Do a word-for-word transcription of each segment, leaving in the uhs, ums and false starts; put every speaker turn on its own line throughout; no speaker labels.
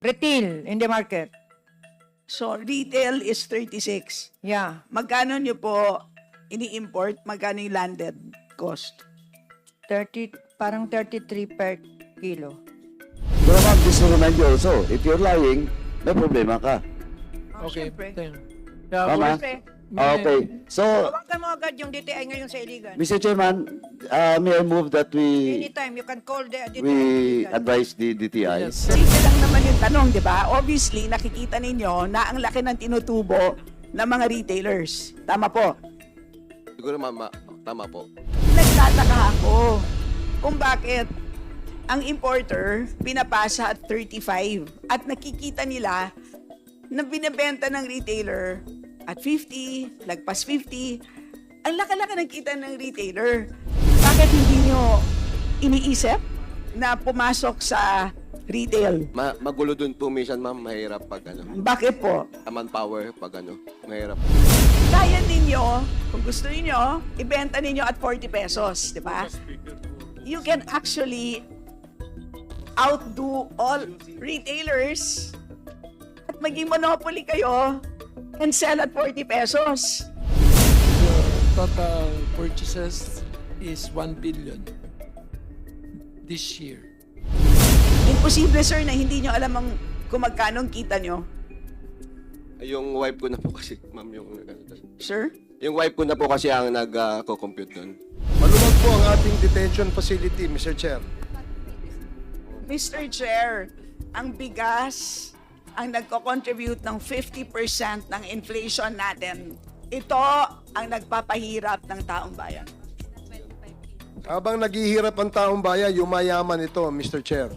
Retail in the market.
So, retail is thirty-six.
Yeah.
Magkano nyo po ini-import? Magkano yung landed cost?
thirty, parang thirty-three per kilo.
Pero ma'am, just to remind you also, if you're lying, may problema ka.
Oh,
Okay.
syempre.
Thank you. Yeah,
Tama?
Siyempre,
Ah, okay. So,
tawagan mo agad yung D T I ngayon sa Iligan.
Mister Chairman, uh, may I move that we
Anytime, you can call the D T I.
we
Iligan.
advise the D T I?
Yes.
Simple lang naman yung tanong, di ba? Obviously, nakikita ninyo na ang laki ng tinutubo ng mga retailers. Tama po.
Siguro mama, tama po.
Nagtataka ako kung bakit ang importer pinapasa at thirty-five at nakikita nila na binebenta ng retailer at fifty, lagpas fifty. Ang laki-laki ng kita ng retailer. Bakit hindi nyo iniisip na pumasok sa retail?
Ma magulo dun po minsan ma'am, mahirap pag ano.
Bakit po?
Manpower pag ano, mahirap.
Kaya ninyo, kung gusto ninyo, ibenta ninyo at forty pesos, di ba? You can actually outdo all retailers at maging monopoly kayo and sell at forty pesos.
The total purchases is one billion this year.
Imposible, sir, na hindi nyo alam ang kung magkano ang kita nyo.
Yung wife ko na po kasi, ma'am, yung
Sir?
yung wife ko na po kasi ang nag-co-compute dun.
Maluwag po ang ating detention facility, Mister Chair.
Mister Chair, ang bigas ang nagko-contribute ng fifty percent ng inflation natin. Ito ang nagpapahirap ng taong bayan.
Habang naghihirap ang taong bayan, yumayaman ito, Mister Chair.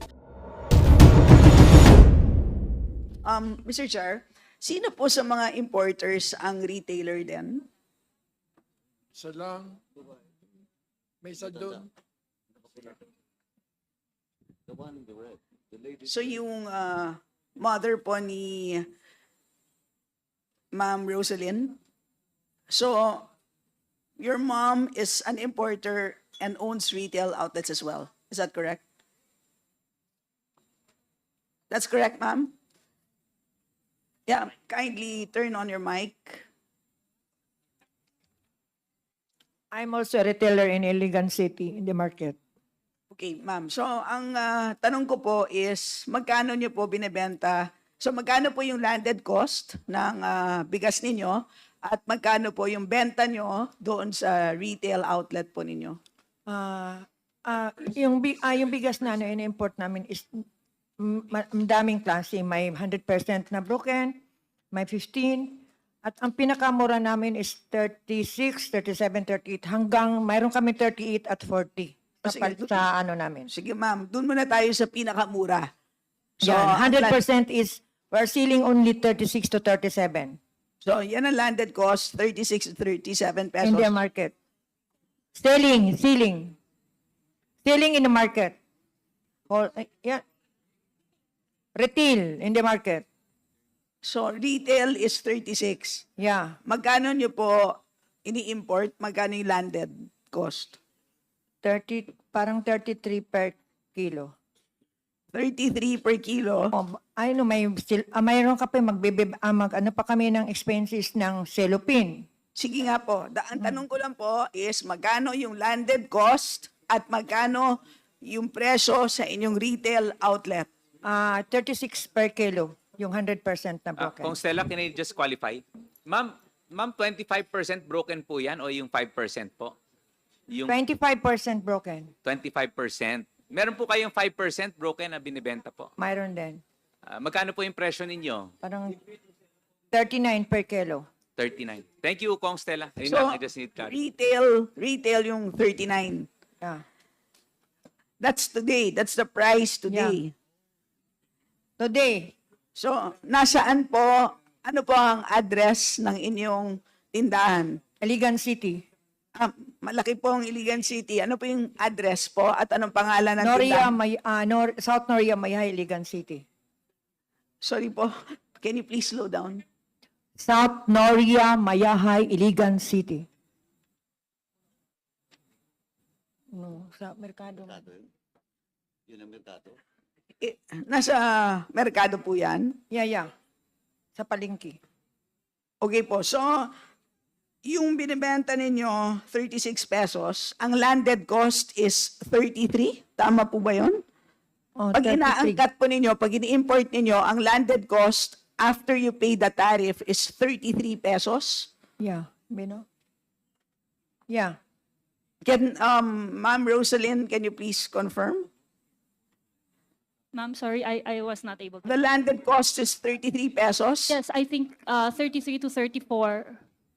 Um, Mister Chair, sino po sa mga importers ang retailer din?
Isa lang. May isa doon.
So yung uh, mother po ni Ma'am Rosalyn. So your mom is an importer and owns retail outlets as well. Is that correct? That's correct, ma'am? Yeah, kindly turn on your mic.
I'm also a retailer in Iligan City in the market.
Okay, ma'am. So, ang ah, tanong ko po is, magkano niyo po binebenta? So, magkano po yung landed cost ng ah, bigas ninyo? At magkano po yung benta nyo doon sa retail outlet po ninyo?
Ah, ah, yung bi- ah, yung bigas na ano in-import namin is mm, ma- daming klase, may one hundred percent na broken, may fifteen, at ang pinakamura namin is thirty-six, thirty-seven, thirty-eight, hanggang mayroon kami thirty-eight at forty
Ah,
sa,
sige,
pal-
doon-
sa ano namin.
Sige, ma'am. Doon muna tayo sa pinakamura.
Yan,
ang
one hundred
land-
percent is we're selling only thirty-six to thirty-seven
So, yan ang landed cost, thirty-six to thirty-seven pesos.
in the market. Selling, selling. Selling in the market. Whole, eh, yeah. Retail in the market.
So, retail is thirty-six.
Yeah.
Magkano nyo po ini-import? Magkano yung landed cost?
thirty, parang thirty-three per kilo.
thirty-three per kilo.
Oh, ay no, may sil- ah, mayroon ka pa magbebe ah, mag ano pa kami ng expenses ng cellophane.
Sige nga po. Da- ang tanong ko lang po is magkano yung landed cost at magkano yung presyo sa inyong retail outlet?
Ah, thirty-six per kilo, yung one hundred percent na
Ah,
broken.
Kung Stella, can I just qualify? Ma'am, ma'am, twenty-five percent broken po yan o yung five percent po? Yung
twenty-five percent broken.
twenty-five percent. Meron po kayong five percent broken na binibenta po.
Mayroon din.
Ah, magkano po yung presyo ninyo?
Parang thirty-nine per kilo.
thirty-nine. Thank you, Kong Stella. Ayun
So,
lang, I just need clarity.
retail, retail yung thirty-nine.
Yeah.
That's today. That's the price today.
Today,
So, nasaan po, ano po ang address ng inyong tindahan?
Iligan City.
Ah, malaki po ang Iligan City. Ano po yung address po at anong pangalan ng
Noria,
tindahan?
May, ah, Nor- South Noria, Mayhay, Iligan City.
Sorry po. Can you please slow down?
South Noria, Mayahay, Iligan City. No, sa merkado.
Yun ang merkado.
Eh, nasa merkado po yan.
Yeah, yeah. Sa palengke.
Okay po. So, yung binibenta ninyo, thirty-six pesos, ang landed cost is thirty-three. Tama po ba yun?
Oh,
Pag
thirty-three.
inaangkat po ninyo, pag ini-import ninyo, ang landed cost after you pay the tariff is thirty-three pesos.
Yeah, Bino? Yeah.
Can, um, Ma'am Rosalind, can you please confirm?
Ma'am, sorry, I, I was not able to.
The landed cost is thirty-three pesos.
Yes, I think uh, thirty-three to thirty-four.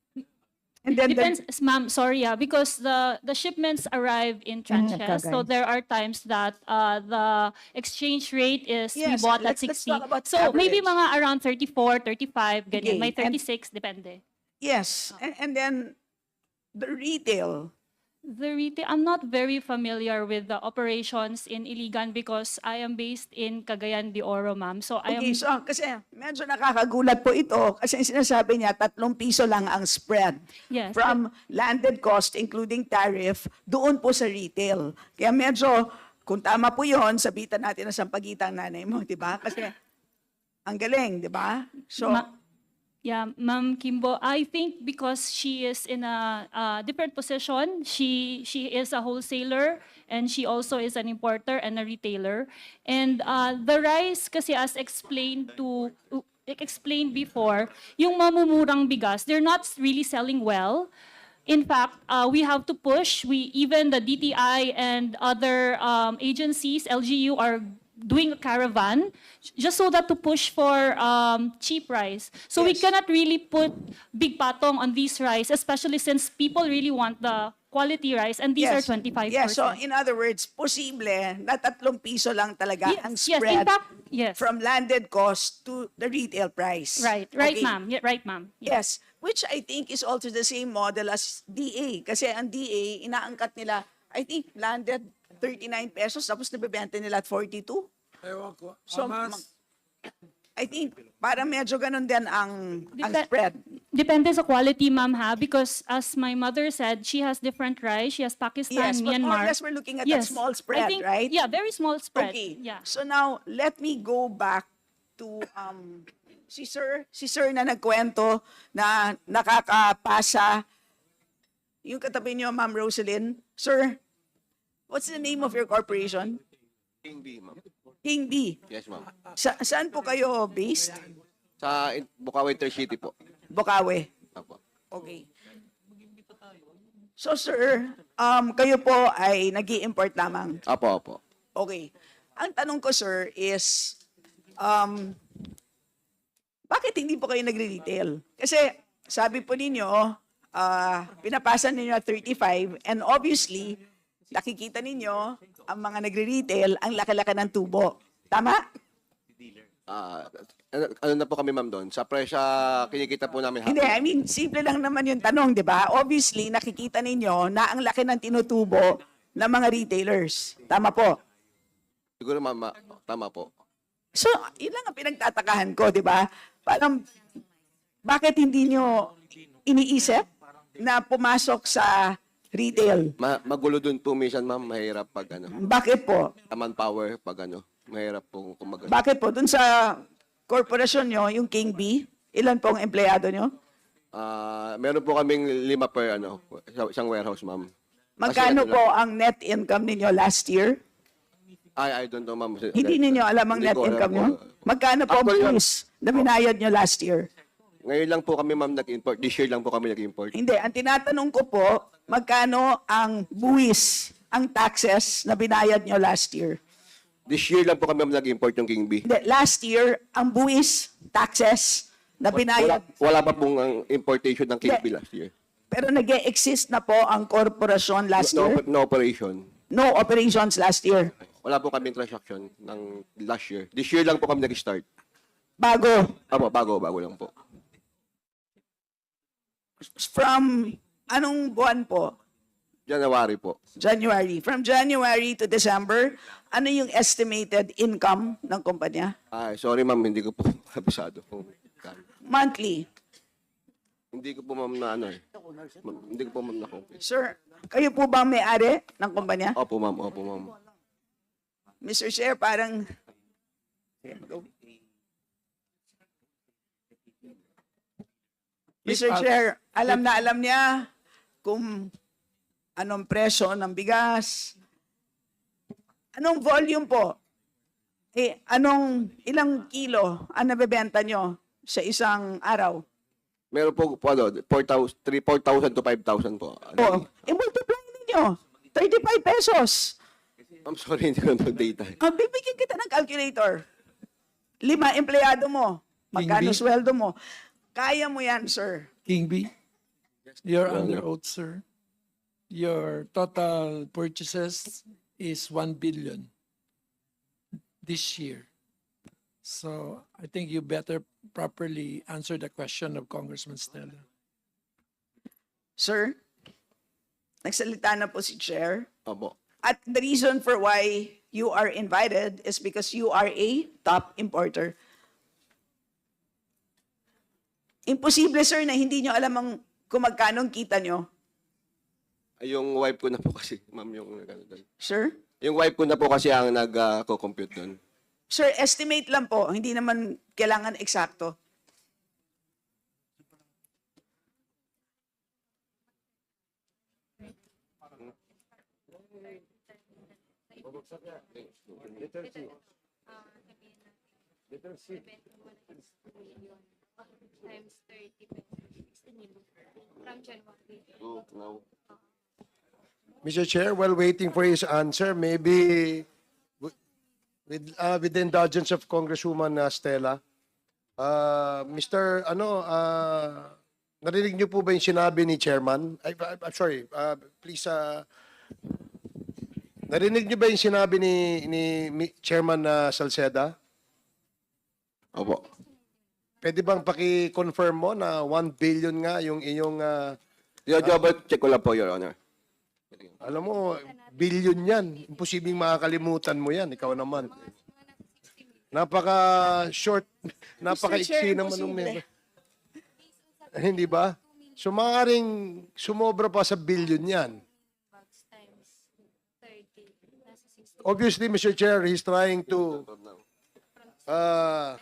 And then the-
Depends, ma'am, sorry, yeah, because the, the shipments arrive in tranches. So
Kagay.
there are times that uh, the exchange rate is, we
Yes,
bought at
let's- let's
sixty.
talk about
So maybe
average.
mga around thirty-four, thirty-five,
Okay,
ganyan. May
and-
thirty-six, depende.
Yes, and, and then the retail.
The retail, I'm not very familiar with the operations in Iligan because I am based in Cagayan de Oro, ma'am. So I am...
Okay, so kasi medyo nakakagulat po ito kasi sinasabi niya tatlong piso lang ang spread
Yes.
from landed cost including tariff doon po sa retail. Kaya medyo, kung tama po yun, sabitan natin na sampagitang nanay mo, di ba? Kasi ang galing, di ba? So,
Ma- yeah, Ma'am Kimbo, I think because she is in a uh, different position, she she is a wholesaler and she also is an importer and a retailer. And uh, the rice, kasi as explained to explained before, yung mamumurang bigas, they're not really selling well. In fact, uh, we have to push. We even the D T I and other um, agencies, L G U, are doing a caravan just so that to push for um, cheap rice. So we
Yes.
cannot really put big patong on these rice, especially since people really want the quality rice, and these are twenty-five percent.
Yes, so in other words, posible na tatlong piso lang talaga
Yes,
ang
yes, in
spread
fact, yes.
from landed cost to the retail price.
Right, right,
Okay.
ma'am. Yeah, right, ma'am. Yeah.
Yes, which I think is also the same model as D A. Kasi ang D A, inaangkat nila, I think landed thirty-nine pesos, tapos nabibenta nila at forty-two.
Ewan ko.
So,
Hamas,
mag- I think, parang medyo ganun din ang, ang
Depe-
spread.
Depende sa quality, ma'am, ha? Because as my mother said, she has different rice. She has Pakistan,
Yes, but more or
Myanmar.
less we're looking at that small spread,
I think,
right?
Yeah, very small spread.
Okay.
Yeah.
So now, let me go back to um, si Sir, si Sir na nagkwento na nakakapasa. Yung katabi niyo, Ma'am Rosalind. Sir, what's the name of your corporation?
King B, ma'am.
King B.
Yes, ma'am.
Sa, saan po kayo based?
Sa in- Bukawi Intercity po.
Bukawi.
Apo.
Okay. So sir, um, kayo po ay nag import lamang.
Apo, apo.
Okay. Ang tanong ko sir is, um, bakit hindi po kayo nagre-retail? Kasi sabi po ninyo, uh, pinapasa ninyo at thirty-five and obviously, nakikita ninyo ang mga nagre-retail ang laki-laki ng tubo. Tama?
Ah, ano, ano na po kami, ma'am, doon? Sa presya, kinikita po namin.
Hindi, I mean, simple lang naman yung tanong, di ba? Obviously, nakikita ninyo na ang laki ng tinutubo ng mga retailers. Tama po.
Siguro, ma'am, ma- tama po.
So, yun lang ang pinagtatakahan ko, di ba? Parang, bakit hindi nyo iniisip na pumasok sa retail?
Ma- magulo doon po minsan, ma'am. Mahirap pag ano.
Bakit po?
Manpower pag ano. Mahirap po kung mag-
Bakit po? Dun sa korporasyon nyo, yung King B, ilan pong empleyado nyo?
Ah, meron po kaming lima per ano, sa- isang warehouse, ma'am.
Magkano
Kasi ano
po
lang-
ang net income ninyo last year?
Ay, I don't know, ma'am.
Hindi ninyo alam ang
Hindi
net
ko alam
income
po.
nyo? Magkano po ang
Actually, ma'am-
buwis na binayad nyo last year?
Ngayon lang po kami, ma'am, nag-import. This year lang po kami nag-import.
Hindi, ang tinatanong ko po, magkano ang buwis, ang taxes na binayad nyo last year?
This year lang po kami, ma'am, nag-import yung King B.
Hindi, last year, ang buwis, taxes na
Wala,
binayad.
wala pa pong ang importation ng King B
Hindi.
last year.
Pero nag exist na po ang korporasyon last
No,
year?
no operation.
No operations last year.
Wala po kami transaction ng last year. This year lang po kami nag-start.
Bago.
Apo, bago, bago lang po.
From anong buwan po?
January po.
January. From January to December, ano yung estimated income ng kumpanya?
Ay, sorry, ma'am, hindi ko po kabisado kung kano.
Monthly.
Hindi ko po, ma'am, na ano eh. Ma'am, Hindi ko po, ma'am, na
Sir, kayo po ba ang may-ari ng kumpanya?
Opo, ma'am, opo, ma'am.
Mister Chair, parang Go. Mister Chair, alam na alam niya kung anong presyo ng bigas. Anong volume po? Eh, anong ilang kilo ang nabebenta nyo sa isang araw?
Meron po, po ano, four thousand, three, four thousand to five thousand po.
O,
Ano,
i-multiply ninyo. thirty-five pesos.
I'm sorry, hindi ko mag-data.
Ah, bibigyan kita ng calculator. Lima empleyado mo. Magkano
Hindi.
sweldo mo? Kaya mo yan, sir.
King B, you're
Your
under
Honor.
oath, sir. Your total purchases is one billion this year. So I think you better properly answer the question of Congressman Stella.
Sir, nagsalita na po si Chair.
Opo.
At the reason for why you are invited is because you are a top importer. Imposible, sir, na hindi nyo alam ang kung magkano ang kita nyo.
Ay, Yung wife ko na po kasi, ma'am, yung ano doon.
Sir?
Yung wife ko na po kasi ang nag-co-compute doon.
Sir, estimate lang po. Hindi naman kailangan eksakto.
Times thirty from January.
Mister Chair, while waiting for his answer, maybe w- with, uh, with the indulgence of Congresswoman uh, Stella, uh, Mister Ano, uh, narinig niyo po ba yung sinabi ni Chairman? I, I, I'm sorry, uh, please, uh, narinig niyo ba yung sinabi ni, ni Mi- Chairman uh, Salceda?
Opo.
Pwede bang paki-confirm mo na one billion nga yung iyong, uh,
Yung double check ko lang po, Your Honor.
alam mo, billion yan. Imposibleng makakalimutan mo yan. Ikaw naman. Napaka-short, napaka-iksi
Chair,
naman ng
imposible.
member. Hindi ba? So, maaaring sumobra pa sa billion yan.
Times thirty. Nasa sixty.
Obviously, Mister Chair, he's trying to uh,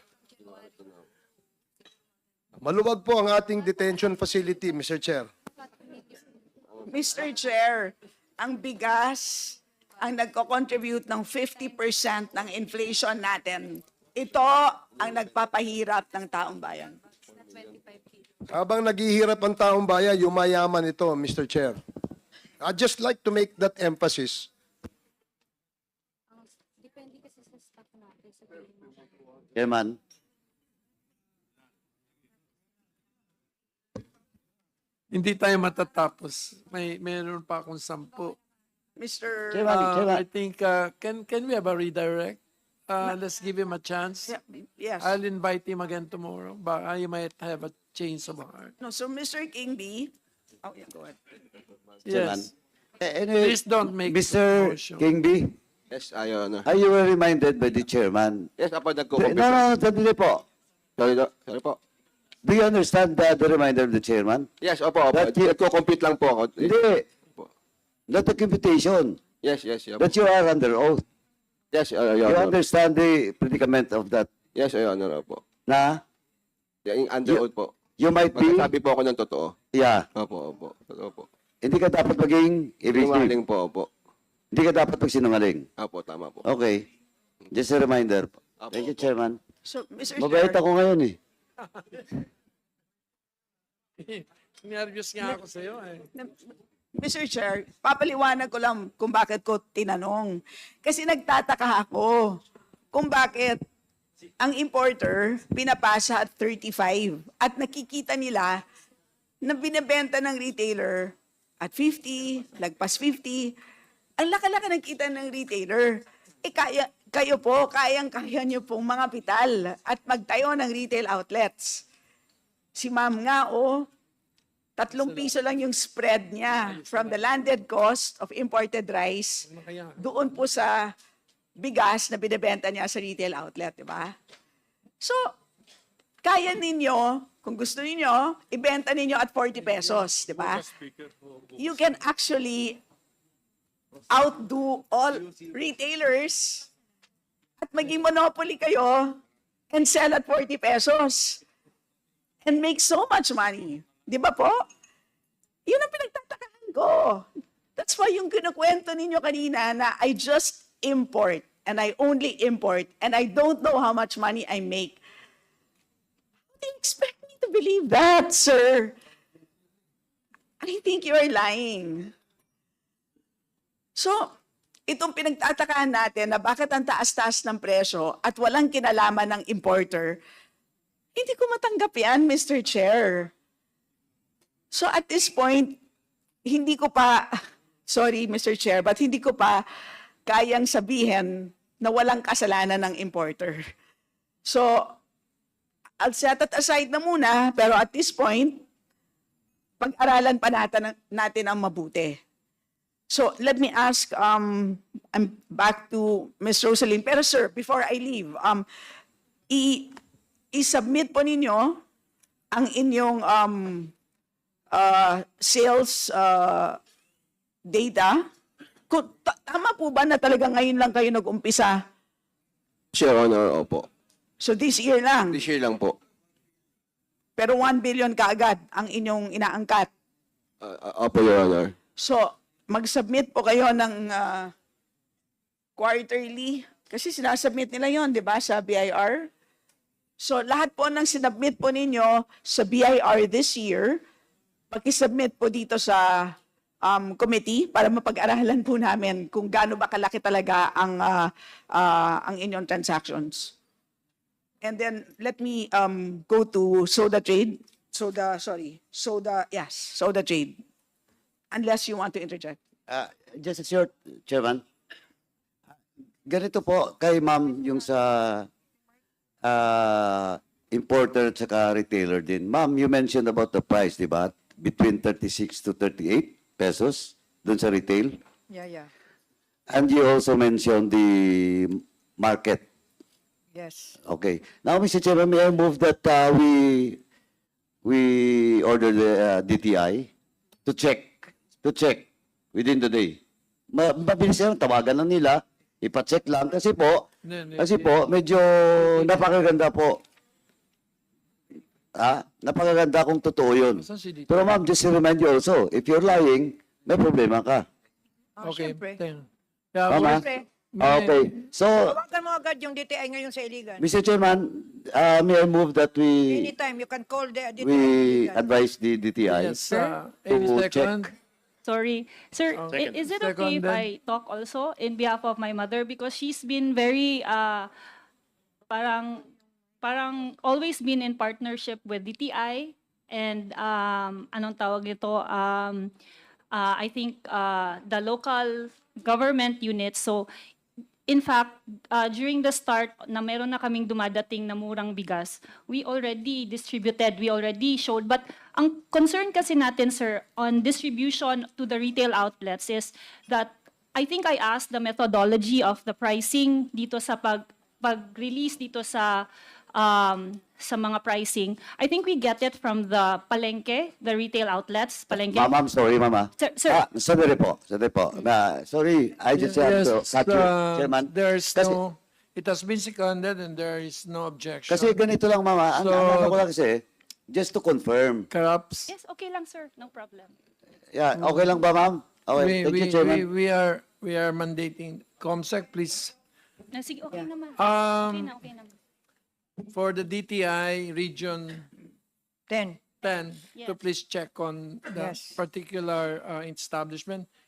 maluwag po ang ating detention facility, Mister Chair.
Mister Chair, ang bigas ang nagko-contribute ng fifty percent ng inflation natin. Ito ang nagpapahirap ng taong bayan.
Habang naghihirap ang taong bayan, yumayaman ito, Mister Chair. I'd just like to make that emphasis.
Depende kasi sa staff natin sa payment.
Chairman,
Hindi tayo matatapos. May meron pa akong sampu.
Mister
Chairman,
Uh,
Chairman.
I think, uh, can can we have a redirect? Uh, let's give him a chance.
Yeah, yes.
I'll invite him again tomorrow. Baka you might have a change of heart.
No, so Mister King B, oh yeah, go ahead.
Chairman.
Yes.
Eh, anyway,
Please don't make
Mister
motion.
King B,
Yes, ah, Your Honor.
are you were reminded by the chairman?
Yes, apo,
No,
nagko-compute.
no, sandali po.
Sorry, do- sorry po.
Do you understand the, the reminder of the chairman?
Yes, opo, opo.
That you-
Nagko-compute lang po ako.
Hindi.
Opo.
Not the computation.
Yes, yes, yes.
That you are under oath.
Yes, uh, Your
You
Honor.
understand the predicament of that.
Yes, Your Honor, opo.
Na
Yung under
You-
oath po.
you might be,
Magsasabi po ako ng totoo.
yeah,
Opo, opo. Totoo po.
hindi ka dapat maging evasive.
Sinungaling po, opo.
Hindi ka dapat magsinungaling.
Opo, tama po.
Okay. Just a reminder.
Apo,
Thank you,
opo.
Chairman.
So Mister
Mabait
Chair,
ako ngayon eh.
Nervous nga ako sa'yo eh.
Mister Chair, papaliwanag ko lang kung bakit ko tinanong. Kasi nagtataka ako kung bakit ang importer pinapasa at thirty-five at nakikita nila na binebenta ng retailer at fifty, lagpas fifty. Ang laka-laka ng kita ng retailer. Eh kaya, kayo po, kayang-kaya niyo pong mga pital at magtayo ng retail outlets. Si ma'am nga, oh, tatlong piso lang yung spread niya from the landed cost of imported rice doon po sa bigas na binibenta niya sa retail outlet, di ba? So, kaya ninyo, kung gusto ninyo, ibenta ninyo at forty pesos, di ba? You can actually outdo all retailers at maging monopoly kayo and sell at forty pesos and make so much money. Di ba po? Yun ang pinagtatakahan ko. That's why yung kinukwento ninyo kanina na I just import and I only import and I don't know how much money I make. How do you expect me to believe that, sir? I think you are lying. So, itong pinagtatakahan natin na bakit ang taas-taas ng presyo at walang kinalaman ng importer, hindi ko matanggap yan, Mister Chair. So at this point, hindi ko pa, sorry Mister Chair, but hindi ko pa kayang sabihin na walang kasalanan ng importer. So, I'll set it aside na muna, pero at this point, pag-aralan pa natin, natin ang mabuti. So, let me ask, um, I'm back to Miz Rosaline. Pero sir, before I leave, um, i- i-submit po ninyo ang inyong um, uh, sales uh, data. Kung, ta- tama po ba na talaga ngayon lang kayo nag-umpisa?
Your Honor, opo.
So this year lang.
This year lang po.
Pero one billion kaagad ang inyong inaangkat.
Uh, uh, opo, Your Honor.
So, mag-submit po kayo ng uh, quarterly. Kasi sinasubmit nila yon, di ba, sa B I R? So, lahat po ng sinubmit po ninyo sa B I R this year, pag-submit po dito sa um, committee para mapag-aralan po namin kung gaano ba kalaki talaga ang, uh, uh, ang inyong transactions. And then, let me um, go to soda trade. Soda, sorry. Soda, yes, soda trade. Unless you want to interject.
Uh, just a short, Chairman. Ganito po kay ma'am yung sa uh, importer at saka retailer din. Ma'am, you mentioned about the price, di ba? Between thirty-six to thirty-eight pesos dun sa retail.
Yeah, yeah.
And you also mentioned the market.
Yes.
Okay. Now, Mister Chairman, may I move that uh, we we order the uh, D T I to check to check within the day. Ma mabilis yan, tawagan lang nila, ipa-check lang kasi po,
Hindi, hindi,
kasi
hindi.
po medyo napakaganda po. Ah, napakaganda kung totoo 'yun.
Saan si D T I?
Pero ma'am, just to remind you also, if you're lying, may problema ka.
Oh,
Okay.
syempre.
thank- Yeah,
Tama?
well,
Syempre.
may-
Okay. So,
Tawagan mo agad yung D T I ngayon sa Iligan.
Mister Chairman, uh, may I move that we
Anytime, you can call the D T I.
we
Iligan.
advise the D T I
Yes, uh, any
to
second.
check.
Sorry. Sir,
Oh.
i- is it okay
Second
if
then.
I talk also in behalf of my mother? Because she's been very, uh, parang, parang always been in partnership with D T I and, um, anong tawag nito, um, uh, I think uh, the local government units. So, in fact, uh, during the start na meron na kaming dumadating na murang bigas, we already distributed, we already showed. But ang concern kasi natin, sir, on distribution to the retail outlets is that I think I asked the methodology of the pricing dito sa pag, pag-release dito sa um, sa mga pricing. I think we get it from the palengke, the retail outlets, palengke.
Ma'am, I'm sorry, mama.
Sir, sir.
Ah, sandali po, sandali po. Na, sorry, I just have
Yes,
to cut you,
uh,
Chairman.
There's
Kasi-
no, it has been seconded and there is no objection.
Kasi ganito lang, mama. Ang
So-
ang ano ko lang kasi, just to confirm.
Corrupts.
Yes, okay lang, sir. No problem.
Yeah, okay lang ba, ma'am? Okay,
we,
thank
we,
you, Chairman.
we, we are, we are mandating, COMSEC, please.
Na, sige, okay naman.
Um,
okay na, okay na.
For the D T I Region
Ten.
ten, to
Yes.
please check on the
Yes.
particular uh, establishment.